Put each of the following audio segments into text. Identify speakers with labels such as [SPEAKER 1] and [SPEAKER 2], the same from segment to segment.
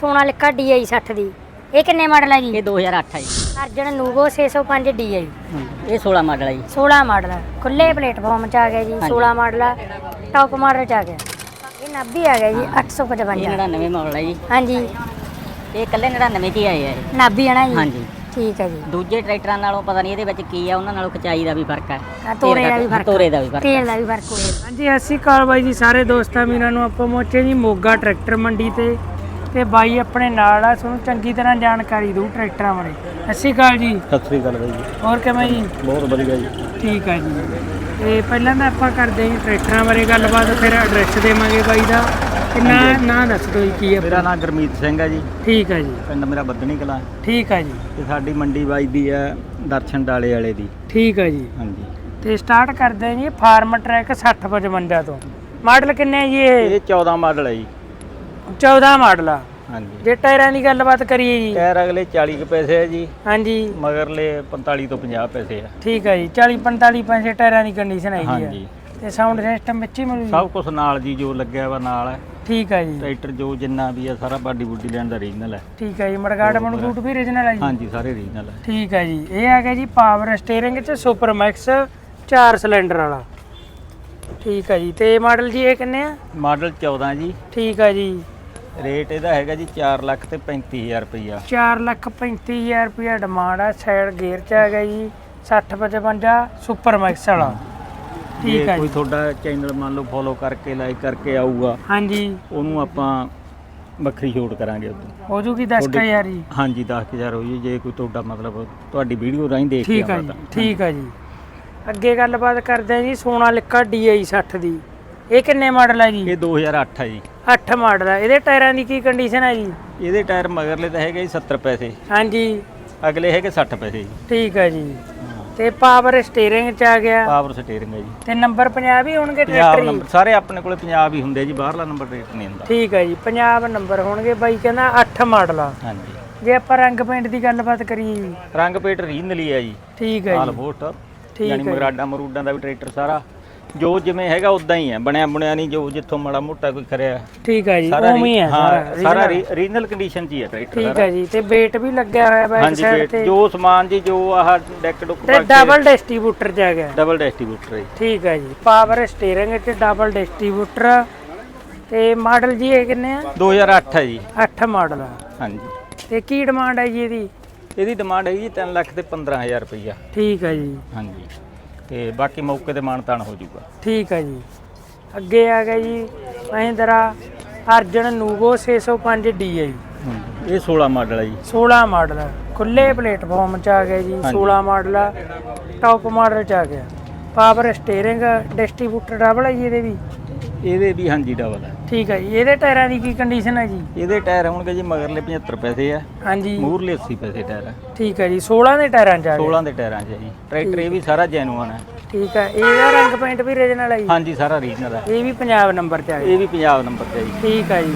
[SPEAKER 1] Sonalika DI 60 ਦੀ। ਇਹ ਕਿੰਨੇ model ਹੈ ਜੀ?
[SPEAKER 2] ਇਹ 2008 ਹੈ ਜੀ।
[SPEAKER 1] ਅਰਜਨ ਨੂਵੋ 605 DI।
[SPEAKER 2] ਇਹ 16 ਮਾਡਲ ਹੈ ਜੀ।
[SPEAKER 1] 16 ਮਾਡਲ ਹੈ, ਖੁੱਲੇ ਪਲੇਟਫਾਰਮ ਚ ਆ ਗਿਆ ਜੀ। 16 ਮਾਡਲ ਹੈ, ਟੌਪ ਮਾਡਲ ਚ ਆ ਗਿਆ। ਇਹ 90 ਆ ਗਿਆ ਜੀ 855।
[SPEAKER 2] ਇਹ 99 ਮਾਡਲ ਹੈ ਜੀ।
[SPEAKER 1] ਹਾਂਜੀ,
[SPEAKER 2] ਇਹ ਇਕੱਲੇ 99 ਕੀ ਆਏ ਆ ਇਹ।
[SPEAKER 1] 90 ਹੈ ਨਾ ਜੀ?
[SPEAKER 2] ਹਾਂਜੀ
[SPEAKER 1] ਠੀਕ ਹੈ ਜੀ।
[SPEAKER 2] ਦੂਜੇ ਟਰੈਕਟਰਾਂ ਨਾਲੋਂ ਪਤਾ ਨਹੀਂ ਇਹਦੇ ਵਿੱਚ ਕੀ ਆ, ਉਹਨਾਂ ਨਾਲੋਂ ਖਚਾਈ ਦਾ ਵੀ ਫਰਕ ਹੈ,
[SPEAKER 1] ਤੋਰੇ ਦਾ ਵੀ ਫਰਕ,
[SPEAKER 2] ਤੋਰੇ ਦਾ ਵੀ ਫਰਕ,
[SPEAKER 1] ਤੇਲ ਦਾ ਵੀ ਫਰਕ ਹੋਇਆ।
[SPEAKER 3] ਹਾਂਜੀ, ਸਤਿ ਸ਼੍ਰੀ ਅਕਾਲ ਬਾਈ ਜੀ ਸਾਰੇ ਦੋਸਤਾਂ ਵੀਰਾਂ ਨੂੰ। ਆਪਾਂ ਪਹੁੰਚੇ ਜੀ ਮੋਗਾ ਟਰੈਕਟਰ ਮੰਡੀ ਤੇ ਬਾਈ ਆਪਣੇ ਨਾਲ ਆ, ਤੁਹਾਨੂੰ ਚੰਗੀ ਤਰ੍ਹਾਂ ਜਾਣਕਾਰੀ ਦਊ ਟਰੈਕਟਰਾਂ ਬਾਰੇ। ਸਤਿ ਸ਼੍ਰੀ ਅਕਾਲ ਜੀ।
[SPEAKER 4] ਸਤਿ ਸ੍ਰੀ ਅਕਾਲ ਬਾਈ ਜੀ।
[SPEAKER 3] ਹੋਰ ਕਿਵੇਂ ਜੀ?
[SPEAKER 4] ਬਹੁਤ ਵਧੀਆ ਜੀ।
[SPEAKER 3] ਠੀਕ ਆ ਜੀ। ਤੇ ਪਹਿਲਾਂ ਤਾਂ ਆਪਾਂ ਕਰਦੇ ਹਾਂ ਟਰੈਕਟਰਾਂ ਬਾਰੇ ਗੱਲਬਾਤ, ਫਿਰ ਐਡਰੈਸ ਦੇਵਾਂਗੇ ਬਾਈ ਦਾ। ਤੇ ਨਾਂ ਦੱਸ ਦਿਓ ਜੀ ਕੀ ਆ।
[SPEAKER 4] ਮੇਰਾ ਨਾਮ ਗੁਰਮੀਤ ਸਿੰਘ ਹੈ ਜੀ।
[SPEAKER 3] ਠੀਕ ਆ ਜੀ।
[SPEAKER 4] ਪਿੰਡ ਮੇਰਾ ਬੱਦਣੀ ਕਲਾਂ।
[SPEAKER 3] ਠੀਕ ਆ ਜੀ।
[SPEAKER 4] ਤੇ ਸਾਡੀ ਮੰਡੀ ਵੱਜਦੀ ਹੈ ਦਰਸ਼ਨ ਡਾਲੇ ਵਾਲੇ ਦੀ।
[SPEAKER 3] ਠੀਕ ਆ ਜੀ।
[SPEAKER 4] ਹਾਂਜੀ।
[SPEAKER 3] ਤੇ ਸਟਾਰਟ ਕਰਦੇ ਹਾਂ ਜੀ ਫਾਰਮ ਟਰੈਕ 6055 ਤੋਂ। ਮਾਡਲ ਕਿੰਨੇ ਆ ਜੀ ਇਹ?
[SPEAKER 4] 14 ਮਾਡਲ ਹੈ ਜੀ।
[SPEAKER 3] 14 ਮਾਡਲ ਆ।
[SPEAKER 4] ਹਾਂਜੀ।
[SPEAKER 3] ਜੇ ਟਾਇਰਾਂ ਦੀ ਗੱਲਬਾਤ ਕਰੀਏ ਜੀ?
[SPEAKER 4] ਟਾਇਰ ਅਗਲੇ 40 ਕੁ ਪੈਸੇ ਹੈ ਜੀ।
[SPEAKER 3] ਹਾਂਜੀ।
[SPEAKER 4] ਮਗਰਲੇ 45 ਤੋਂ 50 ਪੈਸੇ ਆ।
[SPEAKER 3] ਠੀਕ ਹੈ ਜੀ। 40-45 ਪੈਸੇ ਟਾਇਰਾਂ ਦੀ ਕੰਡੀਸ਼ਨ ਹੈਗੀ ਆ।
[SPEAKER 4] ਹਾਂਜੀ।
[SPEAKER 3] ਤੇ ਸਾਊਂਡ ਸਿਸਟਮ ਵਿੱਚ ਹੀ ਮਿਲੂ ਜੀ?
[SPEAKER 4] ਸਭ ਕੁਝ ਨਾਲ ਜੀ, ਜੋ ਲੱਗਿਆ ਵਾ ਨਾਲ ਹੈ।
[SPEAKER 3] ਠੀਕ ਹੈ ਜੀ।
[SPEAKER 4] ਟਰੈਕਟਰ ਜੋ ਜਿੰਨਾ ਵੀ ਆ ਸਾਰਾ ਬਾਡੀ ਬੁੱਡੀ ਲੈਣ ਦਾ ਰੀਜਨਲ ਹੈ।
[SPEAKER 3] ਠੀਕ ਹੈ ਜੀ। ਮੜਗਾੜ ਮਨਗੂਟ ਵੀ ਰੀਜਨਲ ਹੈ ਜੀ?
[SPEAKER 4] ਹਾਂਜੀ, ਸਾਰੇ ਰੀਜਨਲ ਹੈ।
[SPEAKER 3] ਠੀਕ ਹੈ ਜੀ। ਇਹ ਆ ਗਿਆ ਜੀ ਪਾਵਰ ਸਟੀਅਰਿੰਗ ਚ ਸੁਪਰ ਮੈਕਸ 4 ਸਿਲੰਡਰ ਵਾਲਾ। ਠੀਕ ਹੈ ਜੀ। ਤੇ ਮਾਡਲ ਜੀ ਇਹ ਕਿੰਨੇ ਆ?
[SPEAKER 4] ਮਾਡਲ 14 ਜੀ।
[SPEAKER 3] ਠੀਕ ਹੈ ਜੀ।
[SPEAKER 4] ਰੇਟ ਇਹਦਾ ਹੈਗਾ ਜੀ 4,35,000 ਰੁਪਈਆ।
[SPEAKER 3] 4,35,000 ਰੁਪਇਆ ਡਿਮਾਂਡ ਆ। ਸਾਈਡ ਗੇਅਰ ਚ ਆ ਗਿਆ ਜੀ 6055 ਸੁਪਰ ਮੈਕਸ ਵਾਲਾ। ਠੀਕ
[SPEAKER 4] ਜੇ
[SPEAKER 3] ਹੈ
[SPEAKER 4] ਕੋਈ
[SPEAKER 3] ਜੀ।
[SPEAKER 4] ਤੁਹਾਡਾ ਚੈਨਲ ਮੰਨ ਲਓ ਫੋਲੋ ਕਰਕੇ ਲਾਈਕ ਕਰਕੇ ਆਊਗਾ,
[SPEAKER 3] ਹਾਂਜੀ,
[SPEAKER 4] ਉਹਨੂੰ ਆਪਾਂ ਵੱਖਰੀ ਛੋਟ ਕਰਾਂਗੇ ਉਦੋਂ।
[SPEAKER 3] ਹੋ ਜੂਗੀ 10,000 ਜੀ?
[SPEAKER 4] ਹਾਂਜੀ, 10,000 ਹੋ ਜੀ ਜੇ ਕੋਈ ਤੁਹਾਡਾ ਮਤਲਬ ਤੁਹਾਡੀ ਵੀਡੀਓ ਰਾਹੀਂ ਦੇਖ ਕੇ
[SPEAKER 3] ਠੀਕ ਹੈ
[SPEAKER 4] ਆਉਂਦਾ
[SPEAKER 3] ਜੀ।
[SPEAKER 4] ਤਾਂ।
[SPEAKER 3] ਠੀਕ ਹੈ ਜੀ। ਅੱਗੇ ਗੱਲਬਾਤ ਕਰਦੇ ਹਾਂ ਜੀ ਸੋਨਾਲਿਕਾ DI 60 ਦੀ। ਇਹ ਕਿੰਨੇ ਮਾਡਲ ਹੈ ਜੀ?
[SPEAKER 4] ਇਹ 2008 ਹੈ ਜੀ।
[SPEAKER 3] 8 ਮਾਡਲ ਹੈ। ਇਹਦੇ ਟਾਇਰਾਂ ਦੀ ਕੀ ਕੰਡੀਸ਼ਨ ਹੈ ਜੀ?
[SPEAKER 4] ਇਹਦੇ ਟਾਇਰ ਮਗਰਲੇ ਤਾਂ ਹੈਗੇ ਜੀ 70 ਪੈਸੇ,
[SPEAKER 3] ਹਾਂਜੀ।
[SPEAKER 4] ਅਗਲੇ ਹੈਗੇ 60 ਪੈਸੇ ਜੀ।
[SPEAKER 3] ਠੀਕ ਹੈ ਜੀ। ਤੇ ਪਾਵਰ ਸਟੀਅਰਿੰਗ ਚ ਆ ਗਿਆ।
[SPEAKER 4] ਪਾਵਰ ਸਟੀਅਰਿੰਗ ਹੈ ਜੀ।
[SPEAKER 3] ਤੇ ਨੰਬਰ ਪੰਜਾਬ ਹੀ ਹੋਣਗੇ
[SPEAKER 4] ਪੰਜਾਬ
[SPEAKER 3] ਟਰੈਕਟਰ
[SPEAKER 4] ਨੰਬਰ ਸਾਰੇ ਆਪਣੇ ਕੋਲੇ ਪੰਜਾਬ ਹੀ ਹੁੰਦੇ ਜੀ, ਬਾਹਰਲਾ ਨੰਬਰ ਰੇਟ ਨਹੀਂ ਹੁੰਦਾ।
[SPEAKER 3] ਠੀਕ ਹੈ ਜੀ। ਪੰਜਾਬ ਨੰਬਰ ਹੋਣਗੇ। ਬਾਈ ਕਹਿੰਦਾ 8 ਮਾਡਲ ਆ।
[SPEAKER 4] ਹਾਂਜੀ।
[SPEAKER 3] ਜੇ ਆਪਾਂ ਰੰਗ ਪੇਂਟ ਦੀ ਗੱਲਬਾਤ ਕਰੀਏ ਜੀ?
[SPEAKER 4] ਰੰਗ ਪੇਟ ਰੀਜਨਲੀ ਹੈ ਜੀ।
[SPEAKER 3] ਠੀਕ ਹੈ
[SPEAKER 4] ਆਲ
[SPEAKER 3] ਜੀ।
[SPEAKER 4] ਵੋਟ
[SPEAKER 3] ਠੀਕ
[SPEAKER 4] ਯਾਨੀ
[SPEAKER 3] ਹੈ।
[SPEAKER 4] ਮਗਰਾਡਾ ਮਰੂਡਾਂ ਦਾ ਵੀ ਟਰੈਕਟਰ ਸਾਰਾ ਜੋ ਜਿਵੇਂ ਹੈਗਾ ਉਦਾਂ ਹੀ ਹੈ, ਬਣਿਆ ਬਣਿਆ ਨਹੀਂ, ਜੋ ਜਿੱਥੋਂ ਮਾੜਾ ਮੋਟਾ ਕੋਈ ਕਰਿਆ
[SPEAKER 3] ਠੀਕ ਹੈ ਜੀ।
[SPEAKER 4] ਸਾਰਾ
[SPEAKER 3] ਉਵੇਂ ਹੀ ਹੈ
[SPEAKER 4] ਹਾਂ, ਸਾਰਾ
[SPEAKER 3] original।
[SPEAKER 4] ਰੀਜਨਲ ਕੰਡੀਸ਼ਨ 'ਚ ਹੀ ਹੈ ਟਰੈਕਟਰ
[SPEAKER 3] ਠੀਕ
[SPEAKER 4] ਸਾਰਾ।
[SPEAKER 3] ਹੈ ਜੀ। ਤੇ weight ਵੀ ਲੱਗਿਆ ਹੋਇਆ ਬੈਕ
[SPEAKER 4] ਹਾਂਜੀ,
[SPEAKER 3] ਸਾਈਡ
[SPEAKER 4] ਪੇਟ
[SPEAKER 3] ਤੇ।
[SPEAKER 4] ਜੋ ਸਮਾਨ ਜੀ, ਜੋ ਆਹ ਡੈਕ ਡੁੱਕ
[SPEAKER 3] ਤੇ ਡਬਲ ਡਿਸਟ੍ਰੀਬਿਊਟਰ ਚ ਆ ਗਿਆ।
[SPEAKER 4] ਡਬਲ ਡਿਸਟ੍ਰੀਬਿਊਟਰ ਹੈ।
[SPEAKER 3] ਠੀਕ ਹੈ ਜੀ। ਪਾਵਰ ਸਟੀਅਰਿੰਗ ਤੇ ਡਬਲ ਡਿਸਟ੍ਰੀਬਿਊਟਰ। ਤੇ ਮਾਡਲ ਜੀ ਇਹ ਕਿੰਨੇ ਆ?
[SPEAKER 4] 2008 ਹੈ ਜੀ।
[SPEAKER 3] 8 ਮਾਡਲ ਆ।
[SPEAKER 4] ਹਾਂਜੀ।
[SPEAKER 3] ਤੇ ਕੀ ਡਿਮਾਂਡ ਹੈ ਜੀ ਇਹਦੀ?
[SPEAKER 4] ਇਹਦੀ ਡਿਮਾਂਡ ਹੈ ਜੀ 3 ਲੱਖ ਤੇ 15,000 ਰੁਪਈਆ।
[SPEAKER 3] ਠੀਕ ਹੈ ਜੀ।
[SPEAKER 4] ਹਾਂਜੀ। ਤੇ ਬਾਕੀ ਮੌਕੇ ਤੇ ਮਾਨਤਾਨ ਹੋ ਜਾਊਗਾ।
[SPEAKER 3] ਠੀਕ ਹੈ ਜੀ। ਅੱਗੇ ਆ ਗਿਆ ਜੀ ਮਹਿੰਦਰਾ ਅਰਜਨ ਨੂਵੋ 605 DI।
[SPEAKER 4] ਇਹ 16 ਮਾਡਲ ਹੈ ਜੀ।
[SPEAKER 3] 16 ਮਾਡਲ ਖੁੱਲੇ ਪਲੇਟਫਾਰਮ ਚ ਆ ਗਿਆ ਜੀ। 16 ਮਾਡਲ ਟੌਪ ਮਾਡਲ ਚ ਆ ਗਿਆ। ਪਾਵਰ ਸਟੀਅਰਿੰਗ ਡਿਸਟ੍ਰੀਬਿਊਟਰ ਡਬਲ ਹੈ ਜੀ ਇਹਦੇ ਵੀ?
[SPEAKER 4] ਇਹਦੇ ਵੀ ਹਾਂਜੀ ਡਬਲ ਹੈ।
[SPEAKER 3] ਠੀਕ ਹੈ ਜੀ। ਇਹਦੇ ਟਾਇਰਾਂ ਦੀ ਕੀ ਕੰਡੀਸ਼ਨ ਹੈ ਜੀ?
[SPEAKER 4] ਇਹਦੇ ਟਾਇਰ ਹੋਣਗੇ ਜੀ ਮਗਰਲੇ 75 ਪੈਸੇ ਆ,
[SPEAKER 3] ਹਾਂਜੀ।
[SPEAKER 4] ਮੂਹਰਲੇ 80 ਪੈਸੇ ਟਾਇਰ ਆ।
[SPEAKER 3] ਠੀਕ ਹੈ ਜੀ। 16 ਦੇ ਟਾਇਰਾਂ ਚ ਆ ਗਿਆ।
[SPEAKER 4] 16 ਦੇ ਟਾਇਰਾਂ 'ਚ ਹੈ ਜੀ ਟਰੈਕਟਰ। ਇਹ ਵੀ ਸਾਰਾ ਜੈਨੂਅਨ ਹੈ।
[SPEAKER 3] ਠੀਕ ਹੈ। ਇਹਦਾ ਰੰਗ ਪੇਂਟ ਵੀ ਰੀਜਨਲ ਹੈ ਜੀ?
[SPEAKER 4] ਹਾਂਜੀ, ਸਾਰਾ ਰੀਜਨਲ ਹੈ।
[SPEAKER 3] ਇਹ ਵੀ ਪੰਜਾਬ ਨੰਬਰ ਤੇ ਆ ਗਿਆ?
[SPEAKER 4] ਇਹ ਵੀ ਪੰਜਾਬ ਨੰਬਰ ਤੇ ਹੈ ਜੀ।
[SPEAKER 3] ਠੀਕ ਹੈ ਜੀ।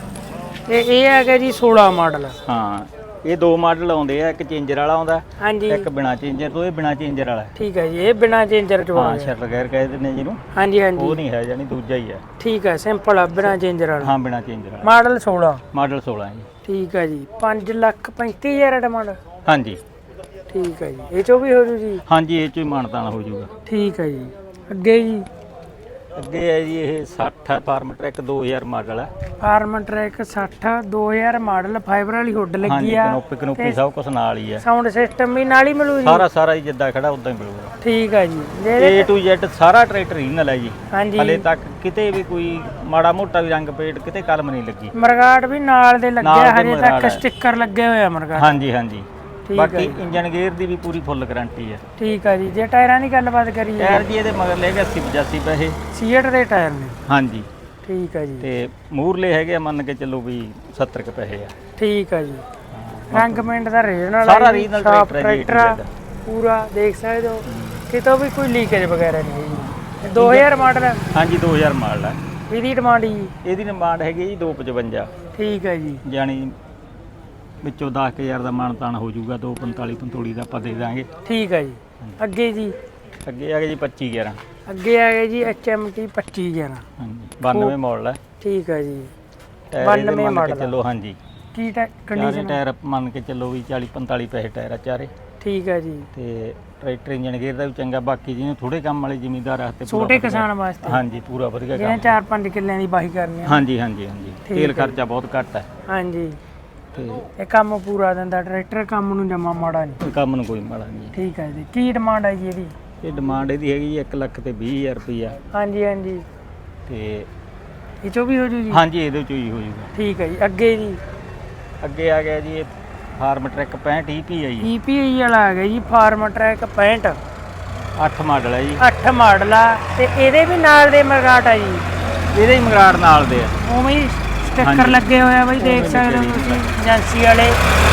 [SPEAKER 3] ਤੇ ਇਹ ਆ ਗਿਆ ਜੀ 16 ਮਾਡਲ।
[SPEAKER 4] ਹਾਂ, ਇਹ ਦੋ ਮਾਡਲ ਆਉਂਦੇ ਆ, ਇੱਕ ਚੇਂਜਰ ਵਾਲਾ ਆਉਂਦਾ,
[SPEAKER 3] ਹਾਂਜੀ।
[SPEAKER 4] ਇੱਕ ਬਿਨਾ ਚੇਂਜਰ ਤੋਂ। ਇਹ ਬਿਨਾ ਚੇਂਜਰ ਵਾਲਾ ਹੈ।
[SPEAKER 3] ਠੀਕ ਹੈ ਜੀ। ਇਹ ਬਿਨਾ ਚੇਂਜਰ ਚ
[SPEAKER 4] ਹਾਂ,
[SPEAKER 3] ਆ ਗਿਆ।
[SPEAKER 4] ਸ਼ਟਰ ਗੈਰ ਕਹਿ ਦਿੰਦੇ ਨੇ ਜਿਹਨੂੰ।
[SPEAKER 3] ਹਾਂਜੀ
[SPEAKER 4] ਉਹ
[SPEAKER 3] ਹਾਂਜੀ।
[SPEAKER 4] ਨਹੀਂ ਹੈ, ਜਾਨੀ ਦੂਜਾ ਹੀ ਹੈ।
[SPEAKER 3] ਠੀਕ ਹੈ। ਸਿੰਪਲ ਆ ਬਿਨਾ ਚੇਂਜਰ ਵਾਲਾ।
[SPEAKER 4] ਹਾਂ, ਬਿਨਾ ਚੇਂਜਰ ਵਾਲਾ।
[SPEAKER 3] ਮਾਡਲ 16।
[SPEAKER 4] ਮਾਡਲ 16 ਹੈ ਜੀ।
[SPEAKER 3] ਠੀਕ ਹੈ ਜੀ। 5,35,000 ਡਿਮਾਂਡ।
[SPEAKER 4] ਹਾਂਜੀ।
[SPEAKER 3] ਠੀਕ ਹੈ ਜੀ। ਇਹ ਚੋਂ ਵੀ ਹੋ ਜੂ ਜੀ?
[SPEAKER 4] ਹਾਂਜੀ, ਇਹ ਚੋਂ ਹੀ ਮਾਨਤਾਨ ਹੋ ਜਾਊਗਾ।
[SPEAKER 3] ਠੀਕ ਹੈ ਜੀ। ਅੱਗੇ ਜੀ?
[SPEAKER 4] ਅੱਗੇ ਹੈ ਜੀ ਇਹ 60 ਫਾਰਮ ਟਰੈਕ 2000 ਮਾਡਲ ਹੈ।
[SPEAKER 3] Farmtrac 60 2000 model. ਫਾਈਬਰ ਵਾਲੀ ਹੁੱਡ
[SPEAKER 4] ਹਾਂਜੀ,
[SPEAKER 3] ਲੱਗੀ ਆ।
[SPEAKER 4] ਕਨੋਪੀ ਸਭ ਕੁਝ ਨਾਲ ਹੀ ਹੈ।
[SPEAKER 3] ਸਾਊਂਡ ਸਿਸਟਮ ਵੀ ਨਾਲ ਹੀ ਮਿਲੂ ਜੀ?
[SPEAKER 4] ਸਾਰਾ ਹੀ ਜਿੱਦਾਂ ਖੜਾ ਉਦਾਂ ਹੀ ਮਿਲੂਗਾ।
[SPEAKER 3] ਠੀਕ ਹੈ ਜੀ।
[SPEAKER 4] A to Z ਸਾਰਾ ਟਰੈਕਟਰ ਰੀਜਨਲ ਹੈ ਜੀ।
[SPEAKER 3] ਹਾਂਜੀ।
[SPEAKER 4] ਹਲੇ ਤੱਕ ਕਿਤੇ ਵੀ ਕੋਈ ਮਾੜਾ ਮੋਟਾ ਵੀ ਰੰਗ ਪੇਟ ਕਿਤੇ ਕਲਮ ਨਹੀਂ ਲੱਗੀ।
[SPEAKER 3] ਮਰਗਾਟ ਵੀ ਨਾਲ ਦੇ ਲੱਗਿਆ।
[SPEAKER 4] ਨਾਲ ਦੇ
[SPEAKER 3] ਹਜੇ
[SPEAKER 4] ਮਰਗਾਟ
[SPEAKER 3] ਤੱਕ
[SPEAKER 4] ਹੈ।
[SPEAKER 3] ਸਟicker ਲੱਗੇ ਹੋਏ ਆ ਮਰਗਾਟ।
[SPEAKER 4] ਹਾਂਜੀ ਹਾਂਜੀ।
[SPEAKER 3] ਠੀਕ
[SPEAKER 4] ਬਾਕੀ
[SPEAKER 3] ਹੈ।
[SPEAKER 4] ਇੰਜਨ ਗੇਅਰ ਦੀ ਵੀ ਪੂਰੀ ਫੁੱਲ ਗਾਰੰਟੀ ਹੈ।
[SPEAKER 3] ਠੀਕ ਹੈ ਜੀ। ਜੇ ਟਾਇਰਾਂ ਦੀ ਗੱਲਬਾਤ ਕਰੀਏ?
[SPEAKER 4] ਟਾਇਰ ਜੀ ਇਹਦੇ ਮਗਰ ਲੈ ਕੇ 80-85 ਪੈਸੇ।
[SPEAKER 3] ਸੀਟ ਦੇ ਟਾਇਰ ਨੇ?
[SPEAKER 4] ਹਾਂਜੀ।
[SPEAKER 3] ਠੀਕ ਹੈ ਜੀ।
[SPEAKER 4] ਤੇ ਮੂਹਰਲੇ ਹੈਗੇ ਆ ਮੰਨ ਕੇ ਚੱਲੋ ਵੀ 70 ਕੁ ਪੈਸੇ ਆ।
[SPEAKER 3] ਠੀਕ ਹੈ ਜੀ। ਰੰਗ ਪੇਂਟ ਦਾ ਰੀਜਨਲ
[SPEAKER 4] ਸਾਰਾ ਰੀਜਨਲ ਟਰੈਕਟਰ ਹੈ ਜੀ।
[SPEAKER 3] ਟਰੈਕਟਰ ਪੂਰਾ ਦੇਖ ਸਕਦੇ ਹੋ। ਕਿਤੋਂ ਵੀ ਕੋਈ ਲੀਕੇਜ ਵਗੈਰਾ ਨਹੀਂ ਹੈ ਜੀ। 2000 ਮਾਡਲ ਹੈ?
[SPEAKER 4] ਹਾਂਜੀ, 2000 ਮਾਡਲ ਹੈ।
[SPEAKER 3] ਇਹਦੀ ਡਿਮਾਂਡ ਜੀ?
[SPEAKER 4] ਇਹਦੀ ਡਿਮਾਂਡ ਹੈਗੀ ਜੀ 255।
[SPEAKER 3] ਠੀਕ ਹੈ ਜੀ।
[SPEAKER 4] ਜਾਣੀ ਵਿੱਚੋਂ 10,000 ਦਾ ਮਾਨਤਾਨ ਹੋ ਜਾਊਗਾ। 245 ਦਾ ਆਪਾਂ ਦੇ ਦਾਂਗੇ।
[SPEAKER 3] ਠੀਕ ਹੈ ਜੀ। ਅੱਗੇ ਜੀ?
[SPEAKER 4] ਅੱਗੇ ਆ ਗਿਆ ਜੀ 2511।
[SPEAKER 3] ਅੱਗੇ ਆ ਗਿਆ ਜੀ HMT 2511।
[SPEAKER 4] ਹਾਂਜੀ, 92 ਮਾਡਲ ਹੈ।
[SPEAKER 3] ਠੀਕ ਹੈ ਜੀ।
[SPEAKER 4] ਟਾਇਰ ਇਹਦੇ
[SPEAKER 3] 92
[SPEAKER 4] ਮੰਨ ਕੇ
[SPEAKER 3] ਮਾਡਲ
[SPEAKER 4] ਚੱਲੋ। ਹਾਂਜੀ,
[SPEAKER 3] ਕੀ
[SPEAKER 4] ਚਾਰੇ
[SPEAKER 3] ਕੰਡੀਸ਼ਨ?
[SPEAKER 4] ਟਾਇਰ ਮੰਨ ਕੇ ਚੱਲੋ ਵੀ 40 45 ਪੈਸੇ ਟਾਇਰ ਆ ਚਾਰੇ।
[SPEAKER 3] ਠੀਕ ਹੈ ਜੀ।
[SPEAKER 4] ਤੇ ਟਰੈਕਟਰ ਇੰਜਨ ਗੇਅਰ ਦਾ ਵੀ ਚੰਗਾ, ਬਾਕੀ ਜਿਹਨੂੰ ਥੋੜੇ ਕੰਮ ਵਾਲੇ ਜ਼ਿਮੀਂਦਾਰ ਆਸਤੇ
[SPEAKER 3] ਛੋਟੇ ਕਿਸਾਨ ਵਾਸਤੇ
[SPEAKER 4] ਹਾਂਜੀ ਪੂਰਾ ਵਧੀਆ
[SPEAKER 3] ਜਿਹਨੇ
[SPEAKER 4] ਕੰਮ।
[SPEAKER 3] 4-5 ਕਿੱਲਿਆਂ ਦੀ ਵਾਹੀ ਕਰਨੀ ਆ।
[SPEAKER 4] ਹਾਂਜੀ ਹਾਂਜੀ ਹਾਂਜੀ,
[SPEAKER 3] ਠੀਕ
[SPEAKER 4] ਤੇਲ
[SPEAKER 3] ਹੈ।
[SPEAKER 4] ਖਰਚਾ ਬਹੁਤ ਘੱਟ ਹੈ
[SPEAKER 3] ਹਾਂਜੀ,
[SPEAKER 4] ਤੇ
[SPEAKER 3] ਇਹ ਕੰਮ ਪੂਰਾ ਦਿੰਦਾ ਟਰੈਕਟਰ, ਕੰਮ ਨੂੰ ਜਮਾ ਮਾੜਾ ਨਹੀਂ।
[SPEAKER 4] ਕੰਮ ਨੂੰ ਕੋਈ ਮਾੜਾ ਨਹੀਂ।
[SPEAKER 3] ਠੀਕ ਹੈ ਜੀ। ਕੀ ਡਿਮਾਂਡ ਹੈ ਜੀ ਇਹਦੀ?
[SPEAKER 4] ਇਹ ਡਿਮਾਂਡ ਇਹਦੀ ਹੈਗੀ 1,20,000 ਰੁਪਈਆ।
[SPEAKER 3] ਹਾਂਜੀ ਹਾਂਜੀ,
[SPEAKER 4] ਤੇ
[SPEAKER 3] ਇਹ ਚੋਂ ਵੀ ਹੋ ਜੂ ਜੀ?
[SPEAKER 4] ਹਾਂਜੀ ਇਹਦੇ ਚੋਂ ਹੀ ਹੋ ਜੂਗਾ।
[SPEAKER 3] ਠੀਕ ਹੈ ਜੀ। ਅੱਗੇ ਜੀ?
[SPEAKER 4] ਅੱਗੇ ਆ ਗਿਆ ਜੀ ਇਹ ਫਾਰਮ ਟਰੈਕ 65 EP ਹੈ ਜੀ।
[SPEAKER 3] EPI ਵਾਲਾ ਆ ਗਿਆ ਜੀ, ਫਾਰਮ ਟਰੈਕ 65
[SPEAKER 4] 8 ਮਾਡਲ ਹੈ ਜੀ।
[SPEAKER 3] 8 ਮਾਡਲ ਆ ਤੇ ਇਹਦੇ ਵੀ ਨਾਲ ਦੇ ਮਰਗਾਟ ਆ ਜੀ?
[SPEAKER 4] ਇਹਦੇ ਹੀ ਮਗਰਾੜ ਨਾਲ ਦੇ ਆ।
[SPEAKER 3] ਉਵੇਂ ਹੀ ਸਟicker
[SPEAKER 4] ਹਾਂਜੀ।
[SPEAKER 3] ਲੱਗੇ ਹੋਏ ਆ ਬਈ, ਦੇਖ
[SPEAKER 4] ਉਵੇਂ
[SPEAKER 3] ਸਕਦੇ ਹੋ
[SPEAKER 4] ਲੱਗੇ
[SPEAKER 3] ਤੁਸੀਂ
[SPEAKER 4] ਜੀ।
[SPEAKER 3] ਏਜੰਸੀ ਵਾਲੇ।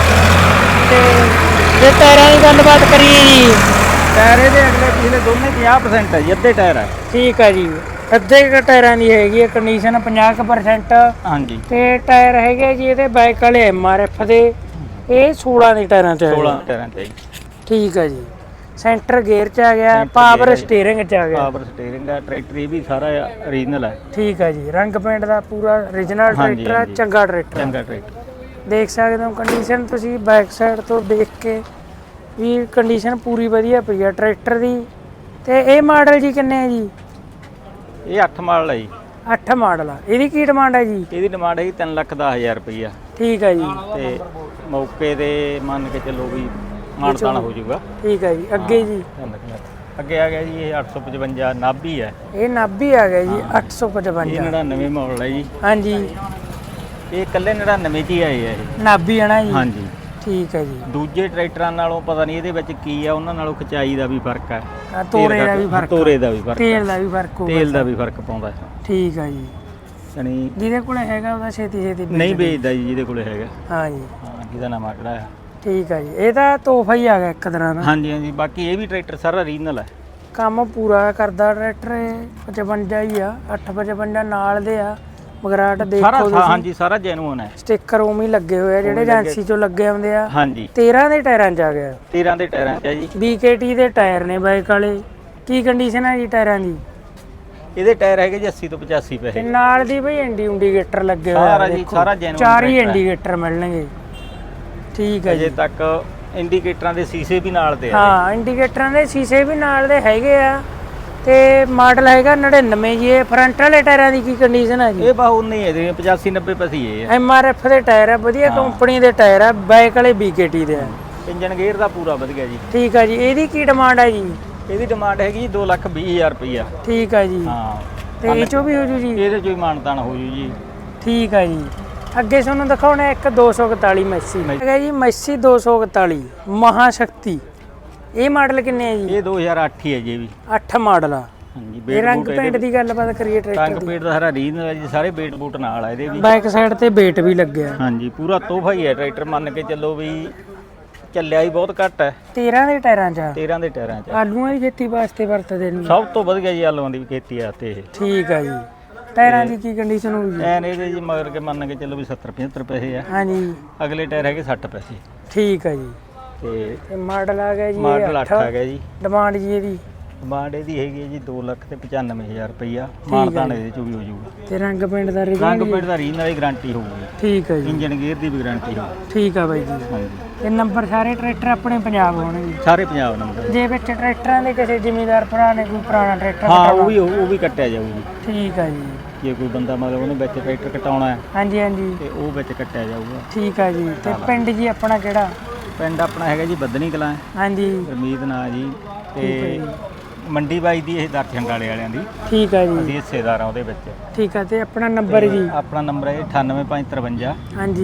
[SPEAKER 3] ਤੇ ਜੇ ਟਾਇਰਾਂ ਦੀ ਗੱਲਬਾਤ ਕਰੀਏ ਜੀ?
[SPEAKER 4] ਟਾਇਰ ਇਹਦੇ ਅਗਲੇ ਪਿਛਲੇ ਦੋਨੇ 50% ਹੈ ਜੀ, ਅੱਧੇ ਟਾਇਰ ਹੈ।
[SPEAKER 3] ਠੀਕ ਹੈ ਜੀ। ਅੱਧੇ ਕੁ ਟਾਇਰਾਂ ਦੀ ਹੈਗੀ ਹੈ ਕੰਡੀਸ਼ਨ, 50%
[SPEAKER 4] ਹਾਂਜੀ,
[SPEAKER 3] ਤੇ ਟਾਇਰ ਹੈਗੇ ਜੀ ਇਹਦੇ ਬਾਈਕ ਵਾਲੇ MRF ਦੇ, ਇਹ 16 ਦੇ ਟਾਇਰਾਂ ਚ
[SPEAKER 4] 16
[SPEAKER 3] ਹੈ।
[SPEAKER 4] ਟਾਇਰਾਂ ਤੇ ਜੀ।
[SPEAKER 3] ਠੀਕ ਹੈ ਜੀ। ਸੈਂਟਰ ਗੇਅਰ ਚ ਆ ਗਿਆ,
[SPEAKER 4] ਸੈਂਟਰ
[SPEAKER 3] ਪਾਵਰ
[SPEAKER 4] ਗੇਅਰ ਹੈ ਜੀ।
[SPEAKER 3] ਸਟੀਅਰਿੰਗ ਚ ਆ ਗਿਆ।
[SPEAKER 4] ਪਾਵਰ ਸਟੀਅਰਿੰਗ ਦਾ ਟਰੈਕਟਰ ਇਹ ਵੀ ਸਾਰਾ ਓਰੀਜਨਲ ਹੈ।
[SPEAKER 3] ਠੀਕ ਹੈ ਜੀ। ਰੰਗ ਪੇਂਟ ਦਾ ਪੂਰਾ ਓਰੀਜਨਲ
[SPEAKER 4] ਹਾਂਜੀ,
[SPEAKER 3] ਟਰੈਕਟਰ ਹੈ,
[SPEAKER 4] ਹਾਂਜੀ।
[SPEAKER 3] ਚੰਗਾ ਟਰੈਕਟਰ ਹੈ।
[SPEAKER 4] ਚੰਗਾ ਟਰੈਕਟਰ।
[SPEAKER 3] ਦੇਖ ਸਕਦੇ ਹੋ ਕੰਡੀਸ਼ਨ ਤੁਸੀਂ ਬੈਕ ਸਾਈਡ ਤੋਂ ਦੇਖ ਕੇ ਵੀ ਕੰਡੀਸ਼ਨ ਪੂਰੀ ਵਧੀਆ ਪਈ ਆ ਟਰੈਕਟਰ ਦੀ। ਤੇ ਇਹ ਮਾਡਲ ਜੀ ਕਿੰਨੇ ਹੈ ਜੀ?
[SPEAKER 4] ਇਹ 8 ਮਾਡਲ ਹੈ ਜੀ।
[SPEAKER 3] 8 ਮਾਡਲ ਆ। ਇਹਦੀ ਕੀ ਡਿਮਾਂਡ ਹੈ ਜੀ?
[SPEAKER 4] ਇਹਦੀ ਡਿਮਾਂਡ ਹੈਗੀ 3,10,000 ਰੁਪਈਆ।
[SPEAKER 3] ਠੀਕ ਹੈ ਜੀ।
[SPEAKER 4] ਤੇ ਮੌਕੇ ਤੇ ਮੰਨ ਕੇ ਚੱਲੋ ਵੀ ਮਾਨਤਾਨ ਹੋ ਜਾਊਗਾ।
[SPEAKER 3] ਠੀਕ ਹੈ ਜੀ। ਅੱਗੇ ਜੀ?
[SPEAKER 4] ਅੱਗੇ ਆ ਗਿਆ ਜੀ ਇਹ 855 ਨਾਭੀ ਹੈ।
[SPEAKER 3] ਇਹ ਨਾਭੀ ਆ ਗਿਆ ਜੀ,
[SPEAKER 4] ਇਹ
[SPEAKER 3] 855।
[SPEAKER 4] 99 ਮਾਡਲ ਹੈ ਜੀ।
[SPEAKER 3] ਹਾਂਜੀ,
[SPEAKER 4] ਇਹ ਇਕੱਲੇ 99 ਚ ਹੀ ਆਏ ਆ ਇਹ।
[SPEAKER 3] ਨਾਭੀ ਹੈ ਨਾ ਜੀ?
[SPEAKER 4] ਹਾਂਜੀ।
[SPEAKER 3] ਠੀਕ ਹੈ ਜੀ।
[SPEAKER 4] ਦੂਜੇ ਟਰੈਕਟਰਾਂ ਨਾਲੋਂ ਪਤਾ ਨਹੀਂ ਇਹਦੇ ਵਿੱਚ ਕੀ ਆ, ਉਹਨਾਂ ਨਾਲੋਂ ਖਿਚਾਈ ਦਾ ਵੀ ਫਰਕ ਹੈ,
[SPEAKER 3] ਤੋਰੇ ਦਾ ਵੀ ਫਰਕ,
[SPEAKER 4] ਤੋਰੇ ਦਾ ਵੀ ਫਰਕ,
[SPEAKER 3] ਤੇਲ ਦਾ ਵੀ ਫਰਕ ਹੋਊਗਾ।
[SPEAKER 4] ਤੇਲ ਦਾ ਵੀ ਫਰਕ ਪਾਉਂਦਾ।
[SPEAKER 3] ਠੀਕ ਹੈ ਜੀ।
[SPEAKER 4] ਯਾਨੀ
[SPEAKER 3] ਜਿਹਦੇ ਕੋਲੇ ਹੈਗਾ ਉਹਦਾ ਛੇਤੀ ਛੇਤੀ
[SPEAKER 4] ਨਹੀਂ ਵੇਚਦਾ ਜੀ ਜਿਹਦੇ ਕੋਲੇ ਹੈਗਾ।
[SPEAKER 3] ਹਾਂ ਜੀ।
[SPEAKER 4] ਹਾਂ, ਜਿਹਦਾ ਨਾਮ ਆਕੜਾ ਹੈ।
[SPEAKER 3] ਠੀਕ ਹੈ ਜੀ। ਇਹ ਤਾਂ ਤੋਹਫਾ ਹੀ ਆ ਗਿਆ ਇੱਕ ਤਰ੍ਹਾਂ ਦਾ।
[SPEAKER 4] ਹਾਂਜੀ ਹਾਂਜੀ, ਬਾਕੀ ਇਹ ਵੀ ਟਰੈਕਟਰ ਸਾਰਾ ਓਰੀਜਨਲ ਹੈ।
[SPEAKER 3] ਕੰਮ ਪੂਰਾ ਕਰਦਾ ਟਰੈਕਟਰ। ਇਹ 55 ਹੀ ਆ, 855 ਨਾਲ ਦੇ ਆ। ਮਗਰਾਟ ਦੇਖੋ
[SPEAKER 4] ਸਾਰਾ
[SPEAKER 3] ਤੁਸੀਂ,
[SPEAKER 4] ਹਾਂਜੀ ਸਾਰਾ ਜੈਨੂਅਨ ਹੈ।
[SPEAKER 3] ਸਟicker ਉਵੇਂ ਹੀ ਲੱਗੇ ਹੋਏ ਆ ਜਿਹੜੇ ਏਜੰਸੀ ਚੋਂ ਲੱਗੇ ਆਉਂਦੇ ਆ।
[SPEAKER 4] ਹਾਂਜੀ,
[SPEAKER 3] 13 ਦੇ ਟਾਇਰਾਂ 'ਚ ਆ ਗਿਆ।
[SPEAKER 4] 13 ਦੇ ਟਾਇਰਾਂ 'ਚ ਹੈ ਜੀ।
[SPEAKER 3] BKT ਦੇ ਟਾਇਰ ਨੇ ਬਾਈਕ ਵਾਲੇ। ਕੀ ਕੰਡੀਸ਼ਨ ਹੈ ਜੀ ਟਾਇਰਾਂ ਦੀ?
[SPEAKER 4] ਇਹਦੇ ਟਾਇਰ ਹੈਗੇ ਜੀ 80 ਤੋਂ 85
[SPEAKER 3] ਤੇ
[SPEAKER 4] ਪੈਸੇ।
[SPEAKER 3] ਨਾਲ ਦੀ ਬਈ ਇੰਡੀਕੇਟਰ ਲੱਗੇ ਹੋਏ
[SPEAKER 4] ਸਾਰਾ
[SPEAKER 3] ਆ
[SPEAKER 4] ਜੀ,
[SPEAKER 3] ਦੇਖੋ।
[SPEAKER 4] ਸਾਰਾ genuine
[SPEAKER 3] 4 ਹੀ
[SPEAKER 4] ਟਰੈਕਟਰ ਹੈ।
[SPEAKER 3] ਇੰਡੀਕੇਟਰ ਮਿਲਣਗੇ। ਠੀਕ ਹੈ
[SPEAKER 4] ਅਜੇ
[SPEAKER 3] ਜੀ।
[SPEAKER 4] ਤੱਕ ਇੰਡੀਕੇਟਰਾਂ ਦੇ ਸ਼ੀਸ਼ੇ ਵੀ ਨਾਲ ਦੇ ਆ।
[SPEAKER 3] ਹਾਂ, ਇੰਡੀਕੇਟਰਾਂ ਦੇ ਸ਼ੀਸ਼ੇ ਵੀ ਨਾਲ ਦੇ ਹੈਗੇ ਆ। ਤੇ ਮਾਡਲ ਹੈਗਾ 99 ਜੀ। ਇਹ ਫਰੰਟ ਵਾਲੇ ਟਾਇਰਾਂ ਦੀ ਕੀ ਕੰਡੀਸ਼ਨ ਹੈ ਜੀ?
[SPEAKER 4] ਇਹ ਬਾਹੂ ਨਹੀਂ ਹੈ ਜੀ, 85 90 ਪੈਸੇ ਹੀ ਹੈ।
[SPEAKER 3] MRF ਦੇ ਟਾਇਰ ਆ, ਵਧੀਆ ਕੰਪਨੀ ਦੇ ਟਾਇਰ ਆ, ਬਾਈਕ ਵਾਲੇ BKT ਦੇ ਆ।
[SPEAKER 4] ਇੰਜਨ ਗੇਅਰ ਦਾ ਪੂਰਾ ਵਧੀਆ ਜੀ।
[SPEAKER 3] ਠੀਕ ਹੈ ਜੀ। ਇਹਦੀ ਕੀ ਡਿਮਾਂਡ ਹੈ ਜੀ?
[SPEAKER 4] ਇਹਦੀ ਡਿਮਾਂਡ ਹੈਗੀ ਜੀ 2,20,000 ਰੁਪਈਆ।
[SPEAKER 3] ਠੀਕ ਹੈ ਜੀ।
[SPEAKER 4] ਹਾਂ,
[SPEAKER 3] ਤੇ ਇਹ ਚੋਂ ਵੀ ਹੋ ਜੂ ਜੀ?
[SPEAKER 4] ਇਹਦੇ ਚੋਂ ਹੀ ਮਾਨਤਾਨ ਹੋ ਜੂ ਜੀ।
[SPEAKER 3] ਠੀਕ ਹੈ ਜੀ। ਅੱਗੇ ਤੁਹਾਨੂੰ ਦਿਖਾਉਣਾ ਇੱਕ 241 ਮੈਸੀ ਹੈਗਾ ਜੀ, ਮੈਸੀ 241 ਮਹਾਸ਼ਕਤੀ। ਇਹ ਮਾਡਲ ਕਿੰਨੇ ਹੈ ਜੀ?
[SPEAKER 4] ਇਹ 2008 ਹੀ ਹੈ ਜੀ। ਇਹ ਵੀ
[SPEAKER 3] 8 ਮਾਡਲ ਆ।
[SPEAKER 4] ਹਾਂਜੀ,
[SPEAKER 3] ਇਹ ਰੰਗ ਪੇਂਟ ਦੀ ਗੱਲਬਾਤ ਕਰੀਏ
[SPEAKER 4] ਟੰਗ
[SPEAKER 3] ਟਰੈਕਟਰ ਦੀ?
[SPEAKER 4] ਪੇਟ ਦਾ ਸਾਰਾ ਰੀਜਨਲ ਹੈ ਜੀ, ਸਾਰੇ ਬੇਟ ਬੂਟ ਨਾਲ ਆ ਇਹਦੇ ਵੀ।
[SPEAKER 3] ਬੈਕ ਸਾਈਡ ਤੇ ਬੇਟ ਵੀ ਲੱਗਿਆ।
[SPEAKER 4] ਹਾਂਜੀ, ਪੂਰਾ ਤੋਹਫਾ ਹੀ ਹੈ ਟਰੈਕਟਰ, ਮੰਨ ਕੇ ਚੱਲੋ ਵੀ ਚੱਲਿਆ ਹੀ ਬਹੁਤ ਘੱਟ ਹੈ।
[SPEAKER 3] 13 ਦੇ ਟਾਇਰਾਂ 'ਚ ਆ।
[SPEAKER 4] 13 ਦੇ ਟਾਇਰਾਂ 'ਚ।
[SPEAKER 3] ਆਲੂਆਂ ਦੀ ਖੇਤੀ ਵਾਸਤੇ ਵਰਤਦੇ ਨੇ।
[SPEAKER 4] ਸਭ ਤੋਂ ਵਧੀਆ ਜੀ ਆਲੂਆਂ ਦੀ ਖੇਤੀ ਆ ਤੇ ਇਹ।
[SPEAKER 3] ਠੀਕ ਹੈ ਜੀ। ਟਾਇਰਾਂ ਦੀ ਕੀ ਕੰਡੀਸ਼ਨ ਹੋਊਗੀ ਜੀ?
[SPEAKER 4] ਐਨ ਇਹਦੇ ਜੀ ਮਗਰ ਕੇ ਮੰਨ ਕੇ ਚੱਲੋ ਵੀ 70 75 ਪੈਸੇ ਆ।
[SPEAKER 3] ਹਾਂਜੀ।
[SPEAKER 4] ਅਗਲੇ ਟਾਇਰ ਹੈਗੇ 60 ਪੈਸੇ।
[SPEAKER 3] ਠੀਕ ਹੈ ਜੀ।
[SPEAKER 4] ਤੇ
[SPEAKER 3] ਮਾਡਲ ਆ ਗਿਆ ਜੀ
[SPEAKER 4] ਮਾਡਲ 8 ਆ ਗਿਆ ਜੀ।
[SPEAKER 3] ਡਿਮਾਂਡ ਜੀ ਇਹਦੀ?
[SPEAKER 4] ਡਿਮਾਂਡ ਇਹਦੀ ਹੈਗੀ ਹੈ ਜੀ 2,95,000 ਰੁਪਈਆ। ਮਾਨਤਾਨ ਇਹਦੇ ਚੋਂ ਵੀ ਹੋ ਜਾਊਗਾ।
[SPEAKER 3] ਤੇ ਰੰਗ ਪਿੰਡ ਦਾ
[SPEAKER 4] ਰੰਗ ਪੇਟ ਦਾ ਰੀਜਨਲ ਦੀ ਗਾਰੰਟੀ ਹੋਊਗੀ।
[SPEAKER 3] ਠੀਕ ਹੈ ਜੀ।
[SPEAKER 4] ਇੰਜਨ ਗੇਅਰ ਦੀ ਵੀ ਗਾਰੰਟੀ ਹੋਊਗੀ।
[SPEAKER 3] ਠੀਕ ਆ ਬਾਈ ਜੀ।
[SPEAKER 4] ਹਾਂਜੀ,
[SPEAKER 3] ਇਹ ਨੰਬਰ ਸਾਰੇ ਟਰੈਕਟਰ ਆਪਣੇ ਪੰਜਾਬ ਹੋਣਗੇ?
[SPEAKER 4] ਸਾਰੇ ਪੰਜਾਬ ਨੰਬਰ।
[SPEAKER 3] ਜੇ ਵਿੱਚ ਟਰੈਕਟਰਾਂ ਦੇ ਕਿਸੇ ਜ਼ਿਮੀਂਦਾਰ ਭਰਾ ਨੇ ਕੋਈ ਪੁਰਾਣਾ ਟਰੈਕਟਰ
[SPEAKER 4] ਹਾਂ,
[SPEAKER 3] ਕਟਾਉਣਾ?
[SPEAKER 4] ਉਹ ਵੀ ਕੱਟਿਆ ਜਾਊਗੀ।
[SPEAKER 3] ਠੀਕ ਆ ਜੀ।
[SPEAKER 4] ਜੇ ਕੋਈ ਬੰਦਾ ਮਤਲਬ ਉਹਨੇ ਵਿੱਚ ਟਰੈਕਟਰ ਕਟਾਉਣਾ ਹੈ
[SPEAKER 3] ਹਾਂਜੀ ਹਾਂਜੀ।
[SPEAKER 4] ਤੇ ਉਹ ਵਿੱਚ ਕੱਟਿਆ ਜਾਊਗਾ।
[SPEAKER 3] ਠੀਕ ਆ ਜੀ। ਤੇ ਪਿੰਡ ਜੀ ਆਪਣਾ ਕਿਹੜਾ?
[SPEAKER 4] ਪਿੰਡ ਆਪਣਾ ਹੈਗਾ ਜੀ ਬੱਦਨੀ ਕਲਾਂ,
[SPEAKER 3] ਹਾਂਜੀ।
[SPEAKER 4] ਗੁਰਮੀਤ ਨਾਂ ਜੀ। ਤੇ ਮੰਡੀ ਬਾਈ ਦੀ ਇਹ ਦਰਸ਼ਨ ਵਾਲੇ ਵਾਲਿਆਂ ਦੀ
[SPEAKER 3] ਠੀਕ ਆ ਜੀ।
[SPEAKER 4] ਅਸੀਂ ਹਿੱਸੇਦਾਰ ਆ ਉਹਦੇ ਵਿੱਚ।
[SPEAKER 3] ਠੀਕ ਆ। ਤੇ ਆਪਣਾ ਨੰਬਰ ਜੀ?
[SPEAKER 4] ਆਪਣਾ ਨੰਬਰ ਹੈ 98553
[SPEAKER 3] ਹਾਂਜੀ।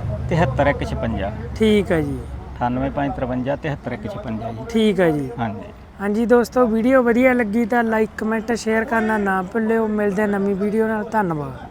[SPEAKER 4] 73156।
[SPEAKER 3] ਠੀਕ ਆ ਜੀ।
[SPEAKER 4] 98553 73156 ਜੀ।
[SPEAKER 3] ਠੀਕ ਆ ਜੀ।
[SPEAKER 4] ਹਾਂਜੀ
[SPEAKER 3] ਹਾਂਜੀ ਦੋਸਤੋ, ਵੀਡੀਓ ਵਧੀਆ ਲੱਗੀ ਤਾਂ ਲਾਈਕ ਕਮੈਂਟ ਸ਼ੇਅਰ ਕਰਨਾ ਨਾ ਭੁੱਲਿਓ। ਮਿਲਦੇ ਨਵੀਂ ਵੀਡੀਓ ਨਾਲ। ਧੰਨਵਾਦ।